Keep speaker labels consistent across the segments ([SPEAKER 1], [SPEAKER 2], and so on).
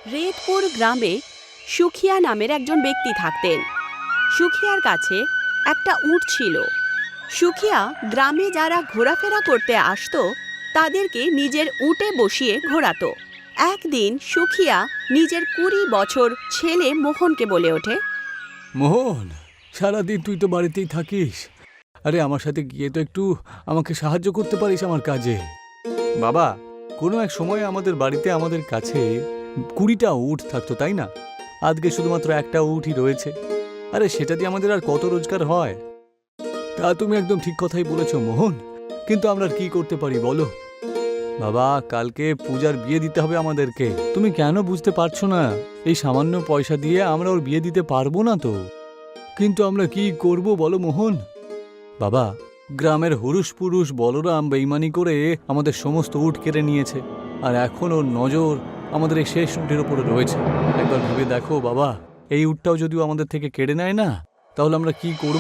[SPEAKER 1] রেতপুর গ্রামে সুখিয়া নামের একজন ব্যক্তি থাকতেন। সুখিয়ার কাছে একটা উট ছিল। সুখিয়া গ্রামে যারা ঘোরাফেরা করতে আসতো তাদেরকে নিজের উটে বসিয়ে ঘোরাতো। একদিন সুখিয়া নিজের 20 বছর ছেলে মোহনকে বলে ওঠে,
[SPEAKER 2] মোহন, সারাদিন তুই তো বাড়িতেই থাকিস। আরে আমার সাথে গিয়ে তো একটু আমাকে সাহায্য করতে পারিস আমার কাজে। বাবা, কোনো এক সময় আমাদের বাড়িতে আমাদের কাছে 20টা উট থাকতো, তাই না? আজকে শুধুমাত্র একটা উটই রয়েছে। আরে সেটা দিয়ে আমাদের আর কত রোজগার হয়? তা তুমি একদম ঠিক কথাই বলেছ মোহন, কিন্তু আমরা আর কি করতে পারি বলো? বাবা, কালকে পূজার বিয়ে দিতে হবে আমাদেরকে। তুমি কেন বুঝতে পারছো না? এই সামান্য পয়সা দিয়ে আমরা ওর বিয়ে দিতে পারবো না তো। কিন্তু আমরা কি করব বলো মোহন? বাবা, গ্রামের হুরুষ পুরুষ বলরাম বেইমানি করে আমাদের সমস্ত উট কেড়ে নিয়েছে, আর এখন ওর নজর আমাদের এই শেষ উটের উপরে রয়েছে। একবার ভেবে দেখো বাবা, এই উটটাও যদিও আমাদের থেকে কেড়ে নেয় না, তাহলে আমরা কি করব?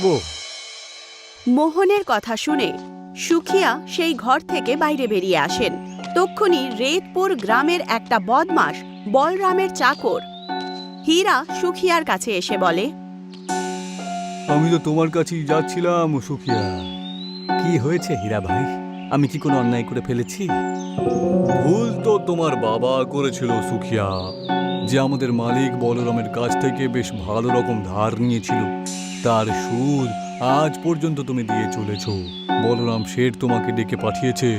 [SPEAKER 1] মোহনের কথা শুনে সুখিয়া সেই ঘর থেকে বাইরে বেরিয়ে আসেন। তক্ষুনি রেতপুর গ্রামের একটা বদমাশ বলরামের চাকর হীরা সুখিয়ার কাছে এসে বলে,
[SPEAKER 2] আমি তো তোমার কাছেই যাচ্ছিলাম সুখিয়া। কি হয়েছে হীরা ভাই? আমি কি কোনো অন্যায় করে ফেলেছি? ভুল তো তোমার বাবা করেছিল সুখিয়া, যে আমাদের মালিক বলরামের কাছ থেকে বেশ ভালো রকম ধার নিয়েছিল। তার সুদ আজ পর্যন্ত তুমি দিয়ে চলেছ। বলরাম শেঠ তোমাকে ডেকে পাঠিয়েছে।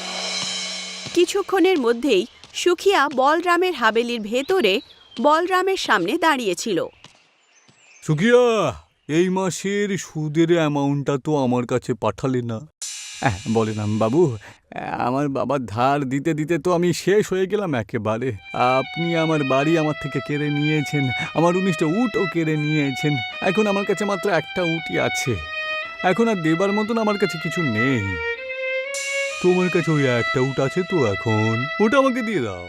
[SPEAKER 1] কিছুক্ষণের মধ্যেই সুখিয়া বলরামের হাবেলির ভেতরে বলরামের সামনে দাঁড়িয়েছিল।
[SPEAKER 2] সুখিয়া, এই মাসের সুদের অ্যামাউন্টটা তো আমার কাছে পাঠালে না। বলরাম বাবু, আমার বাবার ধার দিতে দিতে তো আমি শেষ হয়ে গেলাম একেবারে। আপনি আমার বাড়ি আমার থেকে কেড়ে নিয়েছেন, আমার 19টা উটও কেড়ে নিয়েছেন। এখন আমার কাছে মাত্র একটা উটই আছে। এখন আর দেবার মতন আমার কাছে কিছু নেই। তোমার কাছে ওই একটা উট আছে তো, এখন ওটা আমাকে দিয়ে দাও।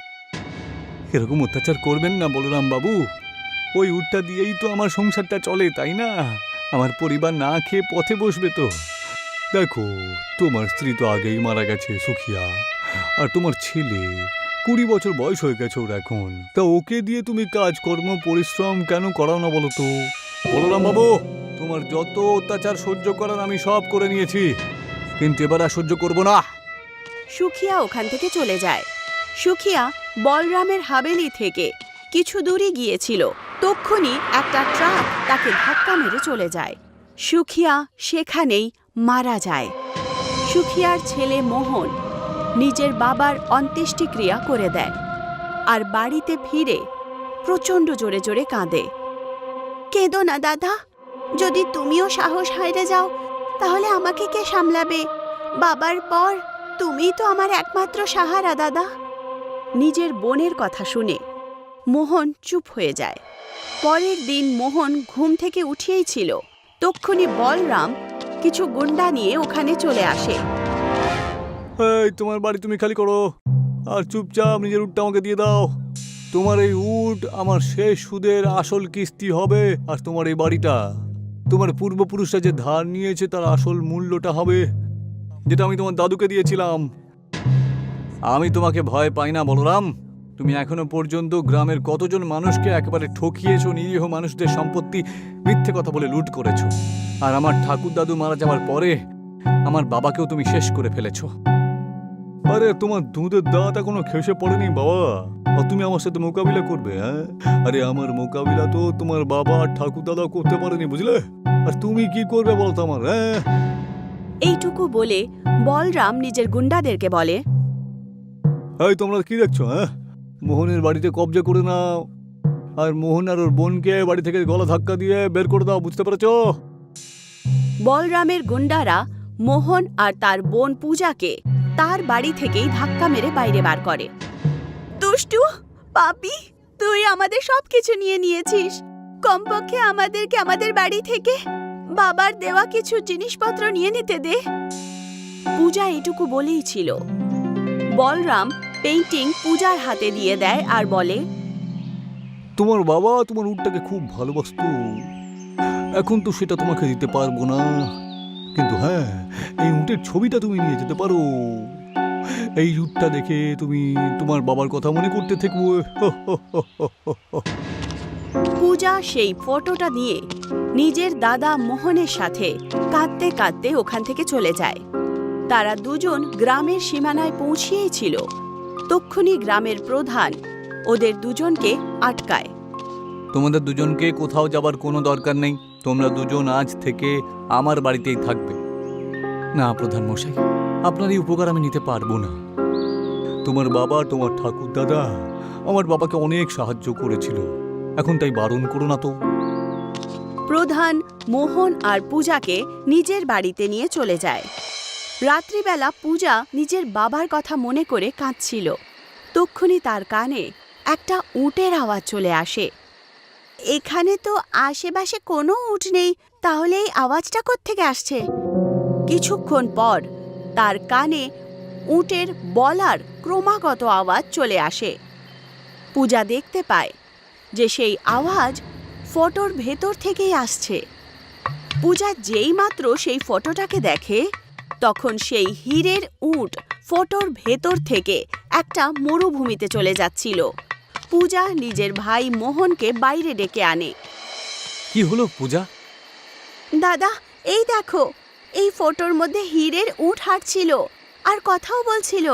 [SPEAKER 2] এরকম অত্যাচার করবেন না বলরাম বাবু। ওই উটটা দিয়েই তো আমার সংসারটা চলে, তাই না? আমার পরিবার না খেয়ে পথে বসবে তো। দেখো, তোমার স্ত্রী তো আগেই মারা গেছে সুখিয়া, আর তোমার ছেলে 20 বছর বয়স হয়ে গেছে ওর এখন। তা ওকে দিয়ে তুমি কাজকর্ম পরিশ্রম কেন করাও না বলো তো? বলরাম বাবু, তোমার যত অত্যাচার সহ্য করার আমি সব করে নিয়েছি, কিন্তু এবার আর সহ্য করবো না।
[SPEAKER 1] সুখিয়া ওখান থেকে চলে যায়। সুখিয়া বলরামের হাবেলি থেকে কিছু দূরে গিয়েছিল। তক্ষুনি একটা ট্রাক তাকে ধাক্কা মেরে চলে যায়। সুখিয়া সেখানেই মারা যায়। সুখিয়ার ছেলে মোহন নিজের বাবার অন্ত্যেষ্টিক্রিয়া করে দেয় আর বাড়িতে ফিরে প্রচণ্ড জোরে জোরে কাঁদে। কেঁদো না দাদা, যদি তুমিও সাহস হারিয়ে যাও তাহলে আমাকে কে সামলাবে? বাবার পর তুমিই তো আমার একমাত্র সাহারা দাদা। নিজের বোনের কথা শুনে মোহন চুপ হয়ে যায়। পরের দিন মোহন ঘুম থেকে উঠেই ছিল। তক্ষুনি বলরাম কিছু গুন্ডা নিয়ে ওখানে চলে আসে।
[SPEAKER 2] এই, তোমার বাড়ি তুমি খালি করো, আর চুপচাপ নিজের উটটা আমাকে দিয়ে দাও। তোমার এই উট আমার শেষ সুদের আসল কিস্তি হবে, আর তোমার এই বাড়িটা তোমার পূর্বপুরুষরা যে ধার নিয়েছে তার আসল মূল্যটা হবে, যেটা আমি তোমার দাদুকে দিয়েছিলাম। আমি তোমাকে ভয় পাই না বলরাম। তুমি এখনো পর্যন্ত গ্রামের কতজন মানুষকে একেবারে ঠকিয়েছো, নিরীহ মানুষদের সম্পত্তি মিথ্যে কথা বলে লুট করেছো। আর আমার ঠাকুর দাদু মারা যাওয়ার পরে আমার বাবাকেও তুমি শেষ করে ফেলেছো। আরে তোমার দুধের দাঁত এখনো খেসে পড়েনি বাবা, আর তুমি আমার সাথে মোকাবিলা করবে? হ্যাঁ, আরে আমার মোকাবিলা তো তোমার বাবা আর ঠাকুর দাদাও করতে পারেনি, বুঝলে? আর তুমি কি করবে বলতো আমার? হ্যাঁ,
[SPEAKER 1] এইটুকু বলে বলরাম নিজের গুন্ডাদেরকে বলে,
[SPEAKER 2] এই তোমরা কি দেখছো? হ্যাঁ, মোহনের বাড়িতে কবজা করে নাও, আর মোহন আর ওর বোনকে বাড়ি থেকে গলা ধাক্কা দিয়ে বের করে দাও, বুঝতে পেরেছো?
[SPEAKER 1] বলরামের গুন্ডারা মোহন আর তার বোন পূজাকে তার বাড়ি থেকেই ধাক্কা মেরে বাইরে বার করে। দুষ্টু পাপী, তুই আমাদের সবকিছু নিয়ে নিয়েছিস। কমপক্ষে আমাদেরকে আমাদের বাড়ি থেকে বাবার দেওয়া কিছু জিনিসপত্র নিয়ে নিতে দে। পূজা এটুকু বলেই ছিল। বলরাম পেইন্টিং পূজার হাতে দিয়ে দেয় আর বলে,
[SPEAKER 2] তোমার বাবা তোমার উটটাকে খুব ভালোবাসতো, এখন তো সেটা তোমাকে দিতে পারবো না, কিন্তু হ্যাঁ, এই উটের ছবিটা তুমি নিয়ে যেতে পারো। এই রূপটা দেখে তুমি তোমার বাবার কথা মনে করতে থাকবো।
[SPEAKER 1] পূজা সেই ফটোটা নিয়ে নিজের দাদা মোহনের সাথে কাঁদতে কাঁদতে ওখান থেকে চলে যায়। তারা দুজন গ্রামের সীমানায় পৌঁছিয়েই ছিল। তক্ষুনি গ্রামের প্রধান ওদের দুজনকে আটকায়।
[SPEAKER 2] তোমাদের দুজনকে কোথাও যাবার কোনো দরকার নেই, তোমরা দুজন আজ থেকে আমার বাড়িতেই থাকবে। না প্রধান মশাই, আপনার এই উপকার আমি নিতে পারবো না। তোমার বাবা, তোমার ঠাকুর দাদা আমার বাবাকে অনেক সাহায্য করেছিল, এখন তাই বারণ করো না তো।
[SPEAKER 1] প্রধান মোহন আর পূজাকে নিজের বাড়িতে নিয়ে চলে যায়। রাত্রিবেলা পূজা নিজের বাবার কথা মনে করে কাঁদছিল। তক্ষুনি তার কানে একটা উটের আওয়াজ চলে আসে। এখানে তো আশেপাশে কোনো উট নেই, তাহলে এই আওয়াজটা কোত্থেকে আসছে? কিছুক্ষণ পর তার কানে উটের বলার ক্রমাগত আওয়াজ চলে আসে। পূজা দেখতে পায় যে সেই আওয়াজ ফটোর ভেতর থেকেই আসছে। পূজা যেই মাত্র সেই ফটোটাকে দেখে, তখন সেই হীরের উট ফটোর ভেতর থেকে একটা মরুভূমিতে চলে যাচ্ছিল। পূজা নিজের ভাই মোহনকে বাইরে ডেকে আনে।
[SPEAKER 2] কি হলো পূজা?
[SPEAKER 1] দাদা, এই দেখো, এই ফটোর মধ্যে হীরের উট হাঁটছিল আর কথাও বলছিল।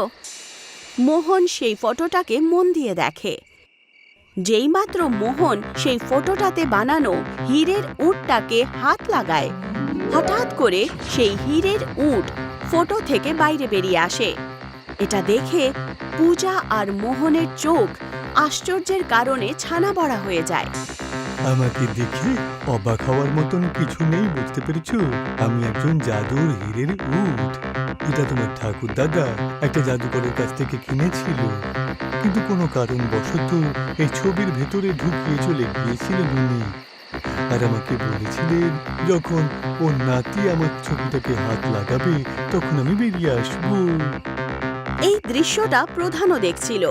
[SPEAKER 1] মোহন সেই ফটোটাকে মন দিয়ে দেখে। যেইমাত্র মোহন সেই ফটোটাতে বানানো হীরের উটটাকে হাত লাগায়, হঠাৎ করে সেই হীরের উট ফটো থেকে বাইরে বেরিয়ে আসে। এটা দেখে পূজা আর মোহনের চোখ আশ্চর্যের কারণে ছানা বড়া হয়ে যায়।
[SPEAKER 2] আমাকে দেখে অবাক হওয়ার মতন কিছু নেই, বুঝতে পেরেছো? আমি একজন জাদুর হীরের উট। এটা তোমার ঠাকুর দাদা একটা জাদুকরের কাছ থেকে কিনেছিল, কিন্তু কোনো কারণবশত এই ছবির ভেতরে ঢুকিয়ে চলে গিয়েছিলেন উনি। আর আমাকে বলেছিলেন যখন ওর নাতি আমার ছবিটাকে হাত লাগাবে তখন আমি বেরিয়ে আসবো।
[SPEAKER 1] এই দৃশ্যটা প্রধানও দেখছিল।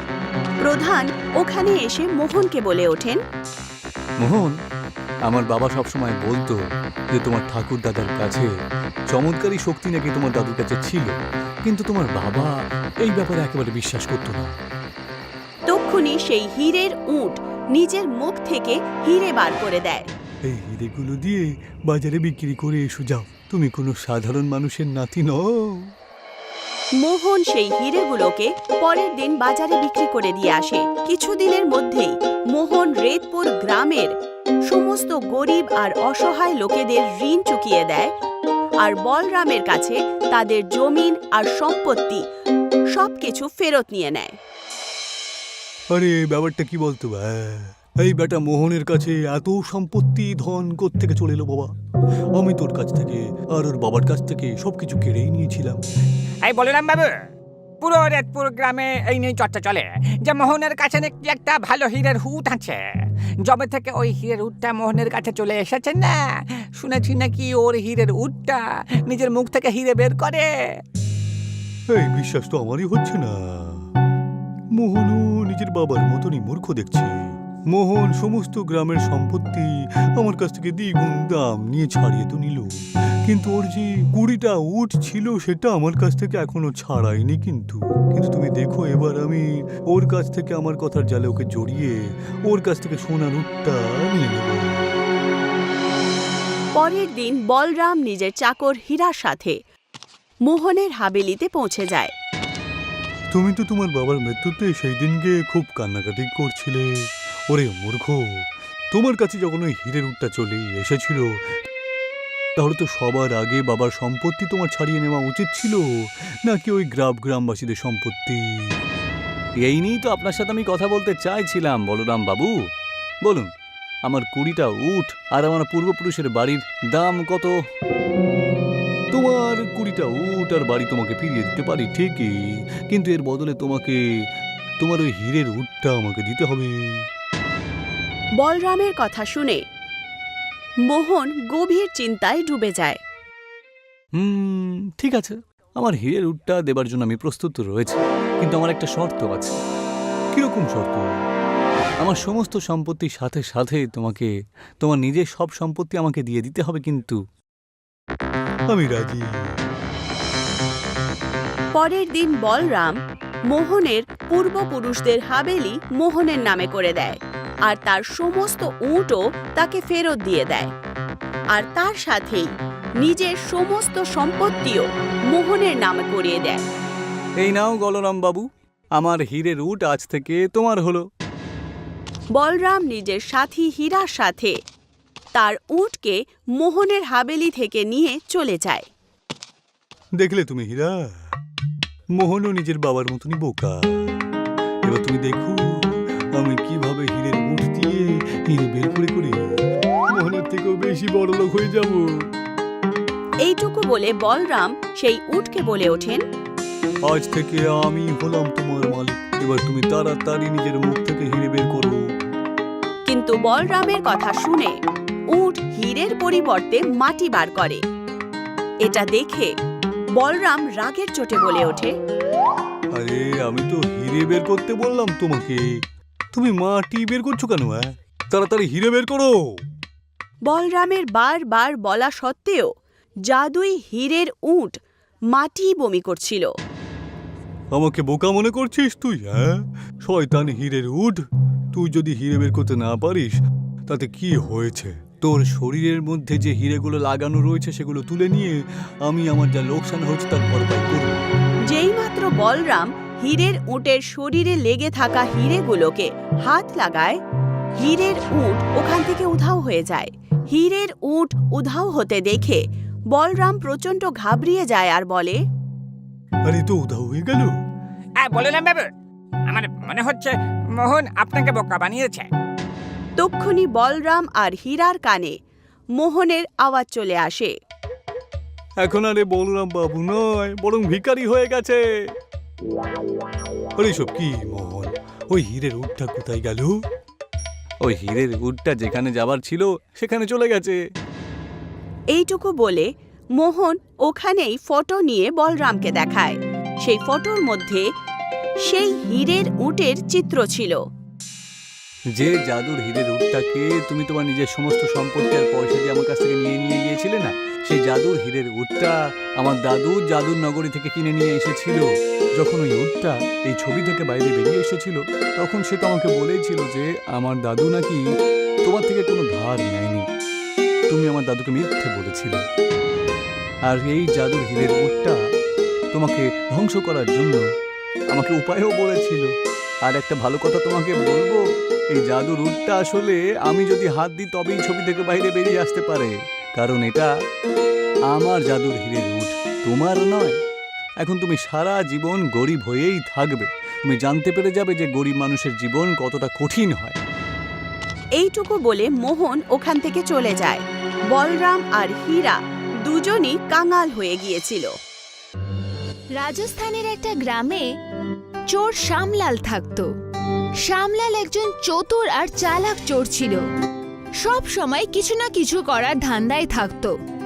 [SPEAKER 1] প্রধান ওখানে এসে মোহনকে বলে ওঠেন,
[SPEAKER 2] মোহন, আমার বাবা সবসময় বলতো যে তোমার ঠাকুর দাদার কাছে চমৎকারী শক্তি নাকি তোমার দাদুর কাছে ছিল, কিন্তু তোমার বাবা এই ব্যাপারে একেবারে বিশ্বাস করতো না।
[SPEAKER 1] তক্ষুনি সেই হীরের উট নিজের মুখ থেকে হীরে বার করে দেয়।
[SPEAKER 2] এই হীরেগুলো দিয়ে বাজারে বিক্রি করে এসো যাও, তুমি কোনো সাধারণ মানুষের নাতি নও।
[SPEAKER 1] মোহন সেই হীরেগুলোকে পরের দিন বাজারে বিক্রি করে দিয়ে আসে। কিছুদিনের মধ্যেই মোহন রেতপুর গ্রামের সমস্ত গরিব আর অসহায় লোকেদের ঋণ চুকিয়ে দেয় আর বলরামের কাছে তাদের জমিন আর সম্পত্তি সবকিছু ফেরত নিয়ে নেয়।
[SPEAKER 2] আরে ব্যাপারটা কি বলতো? এই বেটা মোহনের কাছে এত সম্পত্তি ধন কোত্থেকে চলে এলো বাবা? আমি তোর কাছ থেকে আর ওর বাবার কাছ থেকে সবকিছু কেড়েই নিয়েছিলাম।
[SPEAKER 3] এই বলরাম বাবু, পুরো রেতপুর গ্রামে এই নিয়ে চর্চা চলে যে মোহনের কাছে নাকি একটা ভালো হীরের উট আছে। যবে থেকে ওই হীরের উটটা মোহনের কাছে চলে এসেছে না, শুনেছি নাকি ওর হীরের উটটা নিজের মুখ থেকে হীরে বের করে।
[SPEAKER 2] এই বিশ্বাস তো আমারই হচ্ছে না। মোহনও নিজের বাবার মতনই মূর্খ দেখছি। মোহন সমস্ত গ্রামের সম্পত্তি আমার কাছ থেকে দ্বিগুণ দাম নিয়ে ছাড়িয়ে তো নিল, কিন্তু ওর যে 20টা উট ছিল সেটা আমার কাছ থেকে এখনো ছাড়াইনি। কিন্তু তুমি দেখো, এবার আমি ওর কাছ থেকে আমার কথার জালে ওকে জড়িয়ে ওর কাছ থেকে সোনার উটটা নিয়ে নেব।
[SPEAKER 1] পরের দিন বলরাম নিজের চাকর হীরার সাথে মোহনের হাবেলিতে পৌঁছে যায়।
[SPEAKER 2] তুমি তো তোমার বাবার মৃত্যুতে সেই দিনকে খুব কান্নাকাটি করছিলে। ওরে মূর্খ, তোমার কাছে যখন ওই হীরের উটটা চলে এসেছিল তাহলে তো সবার আগে বাবার সম্পত্তি তোমার ছাড়িয়ে নেওয়া উচিত ছিল, নাকি ওই গ্রামবাসীদের সম্পত্তি? এই নিয়েই তো আপনার সাথে আমি কথা বলতে চাইছিলাম বলরাম বাবু। বলুন, আমার 20টা উট আর আমার পূর্বপুরুষের বাড়ির দাম কত? তোমার 20টা উট আর বাড়ি তোমাকে ফিরিয়ে দিতে পারি ঠিকই, কিন্তু এর বদলে তোমাকে তোমার ওই হীরের উটটা আমাকে দিতে হবে।
[SPEAKER 1] বলরামের কথা শুনে মোহন গভীর চিন্তায় ডুবে যায়।
[SPEAKER 2] ঠিক আছে, আমার হীরের উটটা দেবার জন্য আমি প্রস্তুত রয়েছে, কিন্তু আমার একটা শর্ত আছে। কিরকম শর্ত? আমার সমস্ত সম্পত্তির সাথে সাথে তোমাকে তোমার নিজের সব সম্পত্তি আমাকে দিয়ে দিতে হবে। কিন্তু আমি রাজি।
[SPEAKER 1] পরের দিন বলরাম মোহনের পূর্বপুরুষদের হাবেলি মোহনের নামে করে দেয় আর তার সমস্ত উটও তাকে ফেরত দিয়ে দেয় আর তার সাথেই নিজের সমস্ত সম্পত্তিও মোহনের নামে করিয়ে দেয়।
[SPEAKER 2] এই নাও বলরাম বাবু, আমার হীরের উট আজ থেকে তোমার হলো।
[SPEAKER 1] বলরাম নিজের সাথী হীরার সাথে তার উটকে মোহনের হাবেলি থেকে নিয়ে চলে যায়।
[SPEAKER 2] দেখলে তুমি হীরা, মোহনও নিজের বাবার মতনই বোকা। এবার তুমি দেখো আমি কিভাবে হীরের উট দিয়ে হীরে বের করে করে মোহনের থেকেও বেশি বড় লোক হয়ে যাব।
[SPEAKER 1] এইটুকু বলে বলরাম সেই উটকে বলে ওঠেন,
[SPEAKER 2] আজ থেকে আমি হলাম তোমার মালিক। এবার তুমি তাড়াতাড়ি নিজের মুখ থেকে হীরে বের করো।
[SPEAKER 1] কিন্তু বলরামের কথা শুনে উট হীরের পরিবর্তে মাটি বার করে। এটা দেখে বলরাম রাগের চোটে বলে ওঠে,
[SPEAKER 2] আরে আমি তো হীরে বের করতে বললাম তোমাকে, তুমি মাটি বের করছো কেন? তাড়াতাড়ি হীরে বের করো।
[SPEAKER 1] বলরামের বারবার বলা সত্ত্বেও জাদুই হীরের উট মাটি বমি করছিল।
[SPEAKER 2] আমাকে বোকা মনে করছিস তুই? শয়তান হীরের উট, তুই যদি হীরে বের করতে না পারিস তাতে কি হয়েছে? তোর শরীরের মধ্যে যে হীরেগুলো লাগানো রয়েছে সেগুলো তুলে নিয়ে আমি আমার যা লোকসান হচ্ছে তার ভরপাই করব।
[SPEAKER 1] যেইমাত্র বলরাম হীরের উটের শরীরে লেগে থাকা হীরেগুলোকে হাত লাগায়, হীরের উট ওখান থেকে উধাও হয়ে যায়। হীরের উট উধাও হতে দেখে বলরাম প্রচণ্ড ঘাবড়িয়ে যায় আর বলে,
[SPEAKER 2] আরে তো উধাও হয়ে গেল।
[SPEAKER 3] বললাম বাবু, আমার মনে হচ্ছে মোহন আপনাকে বোকা বানিয়েছে।
[SPEAKER 1] তক্ষুনি বলরাম আর হীরার কানে মোহনের আওয়াজ চলে আসে।
[SPEAKER 2] এখন আরে বলরাম বাবু নয়, বরং ভিখারি হয়ে গেছে। আরে সব কি মোহন, ওই হীরের উটটা কোথায় গেল? ওই হীরের উটটা যেখানে যাবার ছিল সেখানে চলে গেছে।
[SPEAKER 1] এইটুকু বলে মোহন ওখানেই ফটো নিয়ে বলরামকে দেখায়। সেই ফটোর মধ্যে সেই হীরের উটের চিত্র ছিল।
[SPEAKER 2] যে জাদুর হীরের উটটাকে তুমি তোমার নিজের সমস্ত সম্পত্তি আর পয়সা দিয়ে আমার কাছ থেকে নিয়ে গিয়েছিলে না, সেই জাদুর হীরের উটটা আমার দাদু জাদুর নগরী থেকে কিনে নিয়ে এসেছিল। যখন ওই উটটা এই ছবি থেকে বাইরে বেরিয়ে এসেছিল তখন সে তো আমাকে বলেছিল যে আমার দাদু নাকি তোমার থেকে কোনো ধার নেয়নি। তুমি আমার দাদুকে মিথ্যে বলেছিলে। আর এই জাদুর হীরের উটটা তোমাকে ধ্বংস করার জন্য আমাকে উপায়ও বলেছিল। আর একটা ভালো কথা তোমাকে বলবো, এই জাদুর উটটা আসলে আমি যদি হাত দিই তবেই ছবি থেকে বাইরে বেরিয়ে আসতে পারে, কারণ এটা আমার জাদুর হীরের উট, তোমার নয়। এখন তুমি সারা জীবন গরিব হয়েই থাকবে। তুমি জানতে পেরে যাবে যে গরিব মানুষের জীবন কতটা কঠিন হয়।
[SPEAKER 1] এইটুকু বলে মোহন ওখান থেকে চলে যায়। বলরাম আর হীরা দুজনই কাঙাল হয়ে গিয়েছিল।
[SPEAKER 4] রাজস্থানের একটা গ্রামে চোর শ্যামলাল থাকতো। শ্যামলাল একজন চতুর আর চালাক চোর ছিল। সব সময় কিছু না কিছু করার ধান্দায় থাকতো।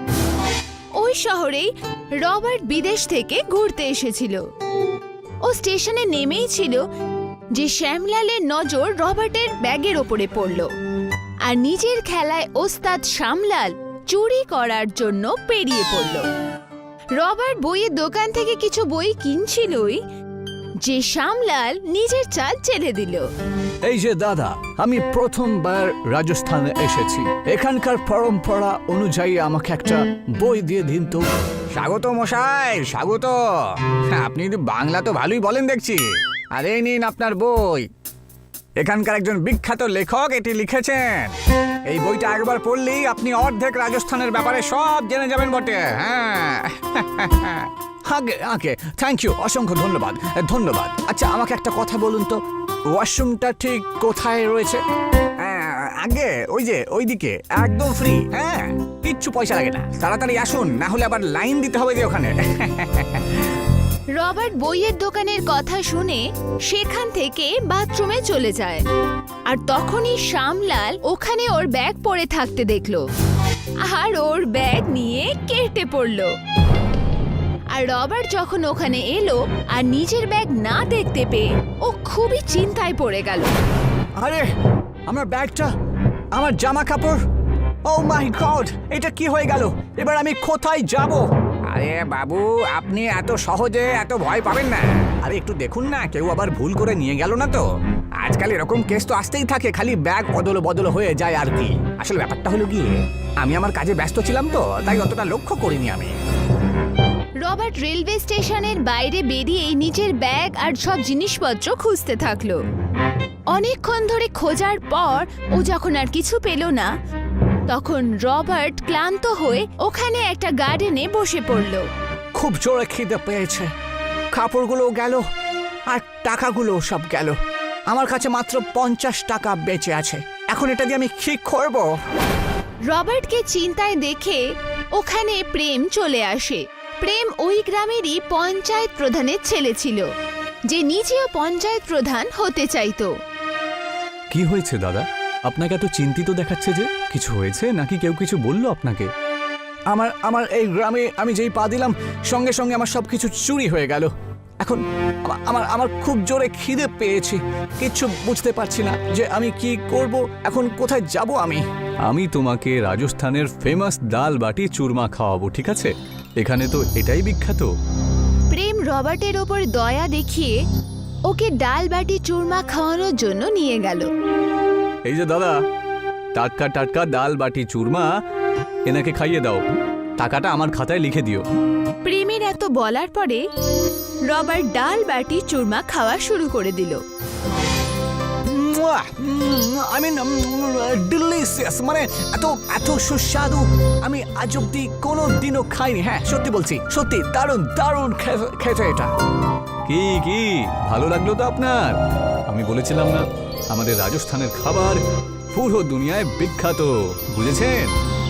[SPEAKER 4] ওই শহরেই রবার্ট বিদেশ থেকে ঘুরতে এসেছিল। ও স্টেশনে নেমেই ছিল যে শ্যামলালের নজর রবার্টের ব্যাগের ওপরে পড়ল। আর নিজের খেলায় ওস্তাদ শ্যামলাল চুরি করার জন্য পেরিয়ে পড়ল। রবার্ট বইয়ের দোকান থেকে কিছু বই কিনছিলই যে শ্যামলাল নিজের চাল ছেড়ে দিল।
[SPEAKER 5] এই যে দাদা, আমি প্রথমবার রাজস্থানে এসেছি। এখানকার পরম্পরা অনুযায়ী আমাকে একটা বই দিয়ে দিন তো।
[SPEAKER 3] স্বাগত মশাই, স্বাগত। আপনি বাংলা তো ভালোই বলেন দেখছি। আর এই নিন আপনার বই। এখানকার একজন বিখ্যাত লেখক এটি লিখেছেন। এই বইটা একবার পড়লেই আপনি অর্ধেক রাজস্থানের ব্যাপারে সব জেনে যাবেন বটে। হ্যাঁ,
[SPEAKER 5] আগে আগে থ্যাংক ইউ, অসংখ্য ধন্যবাদ ধন্যবাদ। আচ্ছা আমাকে একটা কথা বলুন তো, ওয়াশরুমটা ঠিক কোথায় রয়েছে?
[SPEAKER 3] আগে ওই যে ওইদিকে, একদম ফ্রি। হ্যাঁ, কিচ্ছু পয়সা লাগে না। তাড়াতাড়ি আসুন, না হলে আবার লাইন দিতে হবে যে ওখানে।
[SPEAKER 4] রবার্ট বইয়ের দোকানের কথা শুনে সেখান থেকে বাথরুমে চলে যায়। আর তখনই শ্যামলাল ওখানে ওর ব্যাগ পড়ে থাকতে দেখলো আর ওর ব্যাগ নিয়ে কেটে পড়লো। আর রবার্ট যখন ওখানে এলো আর নিজের ব্যাগ না দেখতে পেয়ে ও খুবই চিন্তায় পড়ে গেল।
[SPEAKER 5] আরে আমার ব্যাগটা, আমার জামা কাপড়, ও মাই গড, এটা কি হয়ে গেল? এবার আমি কোথায় যাব? আরে বাবু, আপনি এত সহজে এত ভয় পাবেন না। আরে একটু দেখুন না, কেউ আবার ভুল করে নিয়ে গেল না তো। আজকাল এরকম কেস তো আসতেই থাকে, খালি ব্যাগ অদল বদল হয়ে যায় আর কি। আসলে ব্যাপারটা হলো গিয়ে, আমি আমার কাজে ব্যস্ত ছিলাম তো, তাই অতটা লক্ষ্য করিনি আমি।
[SPEAKER 4] রবার্ট রেলওয়ে স্টেশনের বাইরে বেরিয়ে নিজের ব্যাগ আর সব জিনিসপত্র খুঁজতে থাকলো। অনেকক্ষণ ধরে খোঁজার পর ও যখন আর কিছু পেল না, তখন রবার্ট ক্লান্ত হয়ে ওখানে একটা গার্ডেনে বসে পড়ল।
[SPEAKER 5] খুব জোরে খিদে পেয়েছে, কাপড়গুলো গেল আর টাকাগুলো সব গেল। আমার কাছে মাত্র 50 টাকা বেঁচে আছে, এখন এটা দিয়ে আমি কি করব?
[SPEAKER 4] রবার্টকে চিন্তায় দেখে ওখানে প্রেম চলে আসে। প্রেম ওই গ্রামেরই পঞ্চায়েত প্রধানের ছেলে ছিল, যে নিজেও পঞ্চায়েত প্রধান হতে চাইতো।
[SPEAKER 2] কি হয়েছে দাদা? আপনাকে এত চিন্তিত দেখাচ্ছে যে, কিছু হয়েছে নাকি কেউ কিছু বললো আপনাকে?
[SPEAKER 5] আমার এই গ্রামে আমি যেই পা দিলাম, সঙ্গে সঙ্গে আমার সবকিছু চুরি হয়ে গেল। এখন আমার খুব জোরে খিদে পেয়েছি, কিচ্ছু বুঝতে পারছি না যে আমি কি করব, এখন কোথায় যাব আমি।
[SPEAKER 2] আমি তোমাকে রাজস্থানের ফেমাস ডাল বাটি চুরমা খাওয়াবো, ঠিক আছে? এখানে তো এটাই বিখ্যাত।
[SPEAKER 4] প্রেম রবার্টের ওপর দয়া দেখিয়ে ওকে ডাল বাটি চুরমা খাওয়ানোর জন্য নিয়ে গেল।
[SPEAKER 2] এই যে দাদা, টাটকা টাটকা ডাল বাটি চুরমা এনাকে খাইয়ে দাও, টাকাটা আমার খাতায় লিখে দিও।
[SPEAKER 4] প্রেমের এত বলার পরে রবার্ট ডাল বাটি চুরমা খাওয়া শুরু করে দিল।
[SPEAKER 5] আই মিন ডিলিশিয়াস, মানে এত এত সুস্বাদু আমি আজ অব্দি কোনো দিনও খাইনি। হ্যাঁ, সত্যি বলছি, সত্যি দারুণ দারুণ খেতে এটা।
[SPEAKER 2] কি কি ভালো লাগলো তো আপনার? আমি বলেছিলাম না, আমাদের রাজস্থানের খাবার পুরো দুনিয়ায় বিখ্যাত, বুঝেছেন?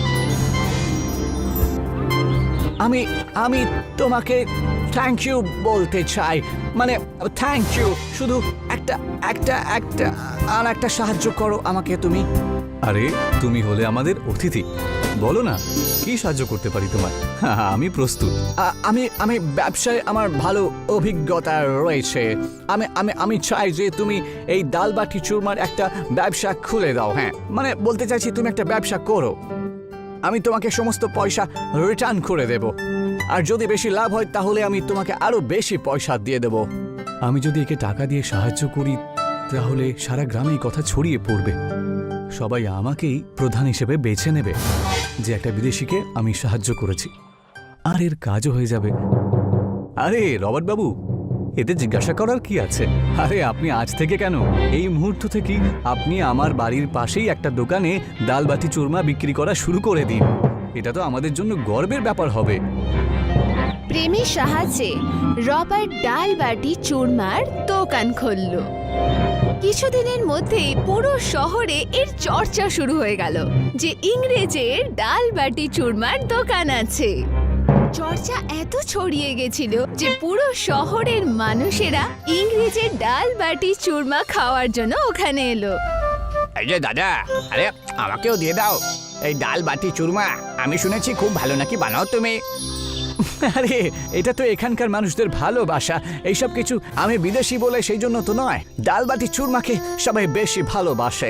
[SPEAKER 5] আমি তোমাকে থ্যাংক ইউ বলতে চাই, মানে থ্যাংক ইউ। শুধু একটা একটা একটা আর একটা সাহায্য করো আমাকে তুমি।
[SPEAKER 2] আরে তুমি হলে আমাদের অতিথি, বলো না কি সাহায্য করতে পারি তোমার? আমি প্রস্তুত।
[SPEAKER 5] আমি ব্যবসায় আমার ভালো অভিজ্ঞতা রয়েছে। আমি চাই যে তুমি এই ডাল বাটি চুরমার একটা ব্যবসা খুলে দাও। হ্যাঁ, মানে বলতে চাইছি তুমি একটা ব্যবসা করো, আমি তোমাকে সমস্ত পয়সা রিটার্ন করে দেব, আর যদি বেশি লাভ হয় তাহলে আমি তোমাকে আরো বেশি পয়সা দিয়ে দেব।
[SPEAKER 2] আমি যদি একে টাকা দিয়ে সাহায্য করি তাহলে সারা গ্রামে এই কথা ছড়িয়ে পড়বে, সবাই আমাকেই প্রধান হিসেবে বেছে নেবে যে একটা বিদেশিকে আমি সাহায্য করেছি, আর এর কাজও হয়ে যাবে। আরে রবার্ট বাবু, এতে জিজ্ঞাসা করার কি আছে? আরে আপনি আজ থেকে কেন, এই মুহূর্ত থেকেই আপনি আমার বাড়ির পাশেই একটা দোকানে ডাল বাটি চুরমা বিক্রি করা শুরু করে দিন, এটা তো আমাদের জন্য গর্বের ব্যাপার হবে।
[SPEAKER 4] প্রেমের সাহায্যে রবার্ট ডাল বাটি চুরমার দোকান খুলল। কিছুদিনের মধ্যেই পুরো শহরে এর চর্চা শুরু হয়ে গেল যে ইংরেজের ডাল বাটি চুরমার দোকান আছে। চর্চা এত ছড়িয়ে গেছিল যে পুরো শহরের মানুষেরা ইংরেজের ডাল বাটি চুরমা খাওয়ার জন্য ওখানে এলো।
[SPEAKER 5] এই যে দাদা, আরে আমাকেও দিয়ে দাও এই ডাল বাটি চুরমা, আমি শুনেছি খুব ভালো নাকি বানাও তুমি। আরে এটা তো এখানকার মানুষদের ভালোবাসা, এইসব কিছু আমি বিদেশি বলে সেই জন্য তো নয়, ডাল বাটি চুরমাকে সবাই বেশি ভালোবাসে।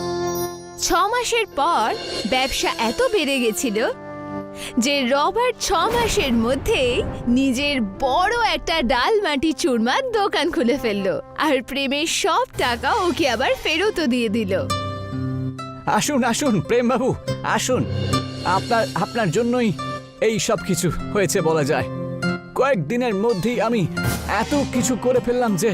[SPEAKER 4] 6 মাসের পর ব্যবসা এত বেড়ে গেছিল যে রবার্ট 6 মাসের মধ্যেই নিজের বড় একটা ডাল বাটি চুরমার দোকান খুলে ফেললো, আর প্রেমের সব টাকা ওকে আবার ফেরতও দিয়ে দিল।
[SPEAKER 5] আসুন আসুন প্রেম বাবু, আসুন, আপনার জন্যই এই সব কিছু হয়েছে বলা যায়। কয়েকদিনের মধ্যেই আমি এত কিছু করে ফেললাম যে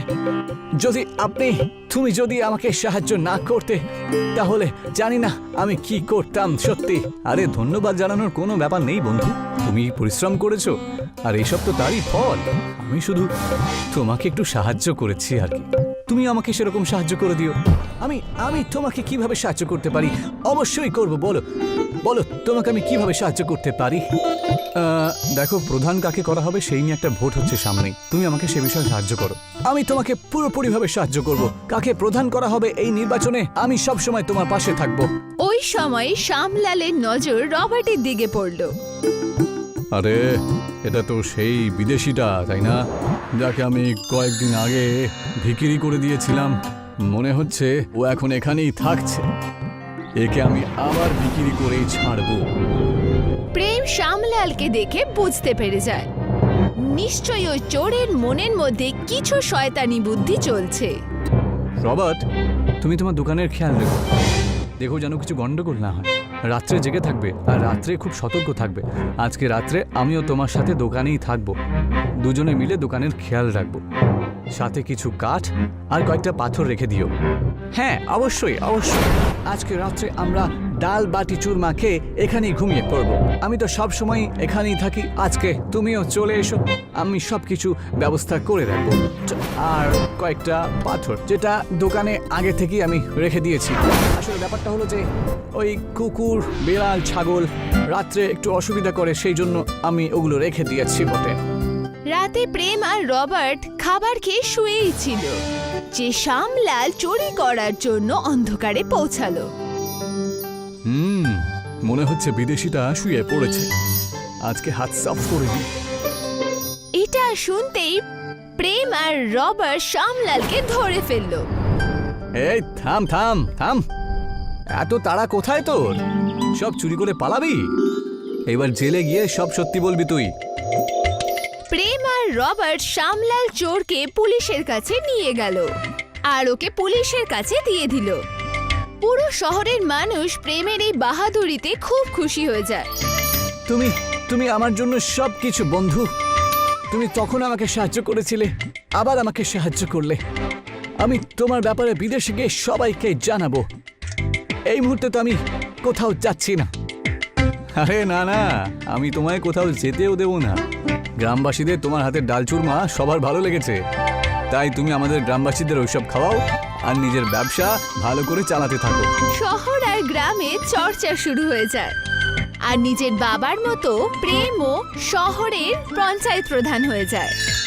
[SPEAKER 5] তুমি যদি আমাকে সাহায্য না করতে তাহলে জানি না আমি কি করতাম সত্যি।
[SPEAKER 2] আরে ধন্যবাদ জানানোর কোনো ব্যাপার নেই বন্ধু, তুমি পরিশ্রম করেছো আর এইসব তো তারই ফল। আমি শুধু তোমাকে একটু সাহায্য করেছি আর কি, তুমি আমাকে সেরকম সাহায্য করে দিও।
[SPEAKER 5] আমি তোমাকে কিভাবে সাহায্য করতে পারি? অবশ্যই করব, বলো বলো তোমাকে আমি কিভাবে সাহায্য করতে পারি?
[SPEAKER 2] দেখো, প্রধান কাকে করা হবে সেই নিয়ে একটা ভোট হচ্ছে সামনেই, তুমি আমাকে সে বিষয়ে সাহায্য করো।
[SPEAKER 5] আমি তোমাকে পুরোপুরিভাবে সাহায্য করব। কাকে প্রধান করা হবে এই নির্বাচনে আমি সব সময় তোমার পাশে থাকব।
[SPEAKER 4] ওই সময় শ্যামলালের নজর রবার্টের দিকে পড়ল।
[SPEAKER 2] আরে এটা তো সেই বিদেশিটা, তাই না, যাকে আমি কয়েকদিন আগে ভিখিরি করে দিয়েছিলাম। মনে হচ্ছে ও এখন এখানেই থাকছে, একে আমি আবার বিক্রি করেই ছাড়বো।
[SPEAKER 4] প্রেম শ্যামলালকে দেখে বুঝতে পেরে যায় নিশ্চয়ই ওই চোরের মনের মধ্যে কিছু শয়তানি বুদ্ধি চলছে।
[SPEAKER 2] রবার্ট, তুমি তোমার দোকানের খেয়াল রেখো, দেখো যেন কিছু গন্ডগোল না হয়। রাত্রে জেগে থাকবে আর রাত্রে খুব সতর্ক থাকবে। আজকে রাত্রে আমিও তোমার সাথে দোকানেই থাকবো, দুজনে মিলে দোকানের খেয়াল রাখবো। সাথে কিছু কাঠ আর কয়েকটা পাথর রেখে দিও।
[SPEAKER 5] হ্যাঁ, অবশ্যই অবশ্যই। আজকে রাত্রে আমরা ডাল বাটি চুরমা খেয়ে এখানেই ঘুমিয়ে পড়বো। আমি তো সব সময় এখানেই থাকি। আজকে তুমিও চলে এসো, আমি সব কিছু ব্যবস্থা করে রাখবো। আর কয়েকটা পাথর যেটা দোকানে আগে থেকেই আমি রেখে দিয়েছি। আসলে ব্যাপারটা হলো যে ওই কুকুর, বিড়াল, ছাগল রাত্রে একটু অসুবিধা করে, সেই জন্য আমি ওগুলো রেখে দিয়েছি বটে।
[SPEAKER 4] রাতে প্রেম আর রবার্ট খাবার খেয়ে শুয়েই ছিল যে শ্যামলাল চুরি করার জন্য অন্ধকারে পৌঁছালো।
[SPEAKER 2] মনে হচ্ছে বিদেশিটা শুয়ে পড়েছে, আজকে হাত সাফ করে দিই।
[SPEAKER 4] এটা শুনতেই প্রেম আর রবার্ট শ্যামলালকে ধরে ফেললো।
[SPEAKER 5] এই থাম থাম থাম, এত তাড়া কোথায় তোর? সব চুরি করে পালাবি? এবার জেলে গিয়ে সব সত্যি বলবি তুই।
[SPEAKER 4] প্রেম আর রবার্ট শ্যামলাল চোরকে পুলিশের কাছে নিয়ে গেল আর ওকে পুলিশের কাছে দিয়ে দিল। পুরো শহরের মানুষ প্রেমের এই বাহাদুরিতে খুব খুশি হয়ে যায়।
[SPEAKER 5] তুমি তুমি আমার জন্য সব কিছু বন্ধু। তুমি তখন আমাকে সাহায্য করেছিলে, আবার আমাকে সাহায্য করলে। আমি তোমার ব্যাপারে বিদেশে গিয়ে সবাইকে জানাবো। এই মুহূর্তে তো আমি কোথাও যাচ্ছি না।
[SPEAKER 2] আরে না না, আমি তোমায় কোথাও যেতেও দেব না। গ্রামবাসীদের তোমার হাতের ডাল চুরমা সবার ভালো লেগেছে, তাই তুমি আমাদের গ্রামবাসীদের ওইসব খাওয়াও আর নিজের ব্যবসা ভালো করে চালাতে থাকো।
[SPEAKER 4] শহর আর গ্রামে চর্চা শুরু হয়ে যায় আর নিজের বাবার মতো প্রেমও শহরের পঞ্চায়েত প্রধান হয়ে যায়।